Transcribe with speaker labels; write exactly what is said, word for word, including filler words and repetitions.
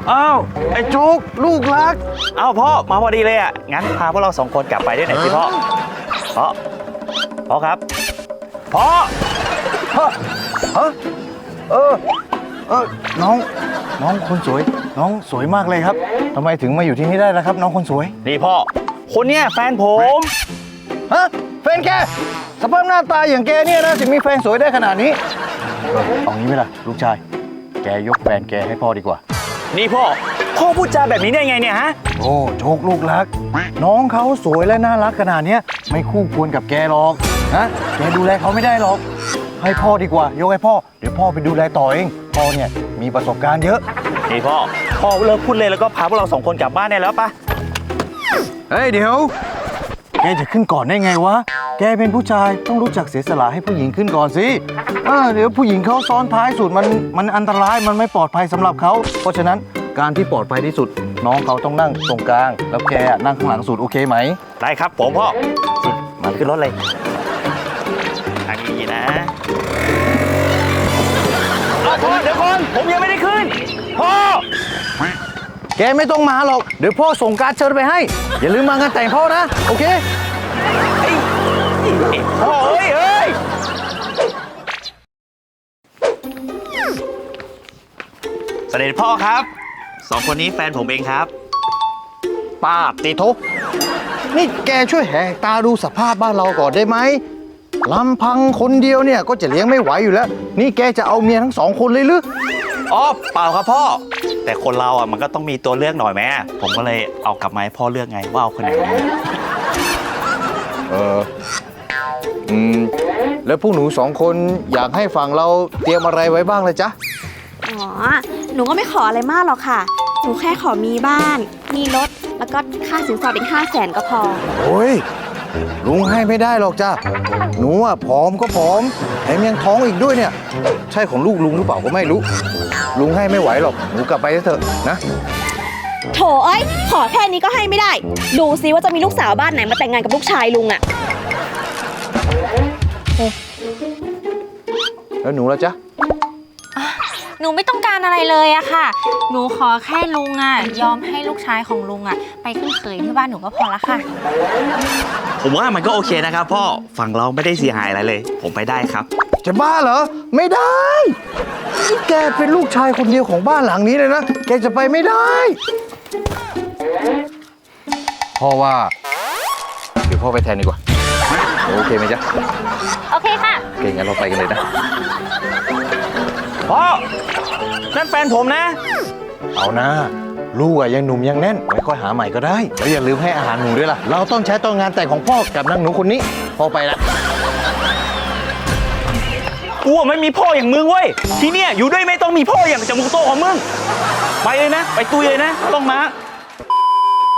Speaker 1: อ้าวไอ้จุกลูกรัก
Speaker 2: อ้าวพ่อมาพอดีเลยอ่ะงั้นพาพวกเราสองคนกลับไปด้วยหน่อยสิพ่อพ่อพ่อครับพ่อ
Speaker 1: ฮะฮะเออเออน้องน้องคนสวยน้องสวยมากเลยครับทำไมถึงมาอยู่ที่นี่ได้ล่ะครับ น้องคนสวย
Speaker 2: นี่พ่อคนเนี้ยแฟนผม
Speaker 1: ฮะแฟนแกสภาพหน้าตาอย่างแกเนี่ยนะถึงมีแฟนสวยได้ขนาดนี้เออเอางี้ไหมล่ะลูกชายแกยกแฟนแกให้พ่อดีกว่า
Speaker 2: นี่พ่อพ่อพูดจาแบบนี้ได้ไงเนี่ยฮะ
Speaker 1: โอ้โชคลูกรักน้องเขาสวยและน่ารักขนาดนี้ไม่คู่ควรกับแกหรอกนะแกดูแลเขาไม่ได้หรอกให้พ่อดีกว่ายกให้พ่อเดี๋ยวพ่อไปดูแลต่อเองพ่อเนี่ยมีประสบการณ์เยอะ
Speaker 2: นี่พ่อพ่อเลิกพูดเลยแล้วก็พาพวกเราสองคนกลับบ้านได้แล้วปะ
Speaker 1: เฮ้ยเดี๋ยวแกจะขึ้นก่อนได้ไงวะแกเป็นผู้ชายต้องรู้จักเสียสละให้ผู้หญิงขึ้นก่อนสิเออเดี๋ยวผู้หญิงเขาซ้อนท้ายสุดมันมันอันตรายมันไม่ปลอดภัยสำหรับเขาเพราะฉะนั้นการที่ปลอดภัยที่สุดน้องเขาต้องนั่งตรงกลางแล้วแกนั่งข้างหลังสุดโอเคไหม
Speaker 2: ได้ครับผมพ่อมาขึ้นรถเลยอันนี้นะพ่อเดี๋ยวก่อนผมยังไม่ได้ขึ้นพ่อ
Speaker 1: แกไม่ต้องมาหรอกเดี๋ยวพ่อส่งการ์ดเชิญไปให้อย่าลืมมางานแต่งพ่อนะโอเค
Speaker 2: พ่อเอ้ยเอ้ยเสด็จพ่อครับสองคนนี้แฟนผมเองครับ
Speaker 1: ป้าติโทนี่แกช่วยแหกตาดูสภาพบ้านเราก่อนได้ไหมลำพังคนเดียวเนี่ยก็จะเลี้ยงไม่ไหวอยู่แล้วนี่แกจะเอาเมียทั้งสองคนเลยหรือ
Speaker 2: อ๋อเปล่าครับพ่อแต่คนเราอ่ะมันก็ต้องมีตัวเลือกหน่อยแม่ผมก็เลยเอากลับมาให้พ่อเลือกไงว่าเอาคนไหน
Speaker 1: เอออืมแล้วพวกหนูสองคนอยากให้ฝั่งเราเตรียมอะไรไว้บ้างเลยจ๊ะ
Speaker 3: อ๋อหนูก็ไม่ขออะไรมากหรอกค่ะหนูแค่ขอมีบ้านมีรถแล้วก็ค่าสินสอดอีกห้าแสนก็พอ
Speaker 1: โอ้ยลุงให้ไม่ได้หรอกจ้ะหนูอ่ะผอมก็ผอมแถมยังท้องอีกด้วยเนี่ยใช่ของลูกลุงหรือเปล่าก็ไม่รู้ลุงให้ไม่ไหวหรอกหนูกลับไปเถอะนะ
Speaker 3: โถเอ้ยขอแค่นี้ก็ให้ไม่ได้ดูซิว่าจะมีลูกสาวบ้านไหนมาแต่งงานกับลูกชายลุงอะ
Speaker 1: แล้วหนูล่ะจ๊ะ
Speaker 4: หนูไม่ต้องการอะไรเลยอะค่ะหนูขอแค่ลุงอะยอมให้ลูกชายของลุงอะไปขึ้นเขยที่บ้านหนูก็พอละค่ะ
Speaker 2: ผมว่ามันก็โอเคนะครับพ่อฝั่งเราไม่ได้เสียหายอะไรเลยผมไปได้ครับ
Speaker 1: จะบ้าเหรอไม่ได้แกเป็นลูกชายคนเดียวของบ้านหลังนี้เลยนะแกจะไปไม่ได้พ่อว่าเดี๋ยวพ่อไปแทนดีกว่าโอเคไหมจ๊ะ
Speaker 4: โอเคค่ะ
Speaker 1: โอเคงั้นเราไปกันเลยนะ
Speaker 2: พ่อนั่นแฟนผมนะ
Speaker 1: เอานะลูกอะยังหนุ่มยังแน่นไว้ค่อยหาใหม่ก็ได้แล้วอย่าลืมให้อาหารหนูด้วยล่ะเราต้องใช้ตอนงานแต่งของพ่อกับนางหนูคนนี้พ่อไปละ
Speaker 2: กูไม่มีพ่ออย่างมึงเว้ยที่เนี่ยอยู่ด้วยไม่ต้องมีพ่ออย่างจมูกโตของมึงไปเลยนะไปตุยเลยนะต้องมา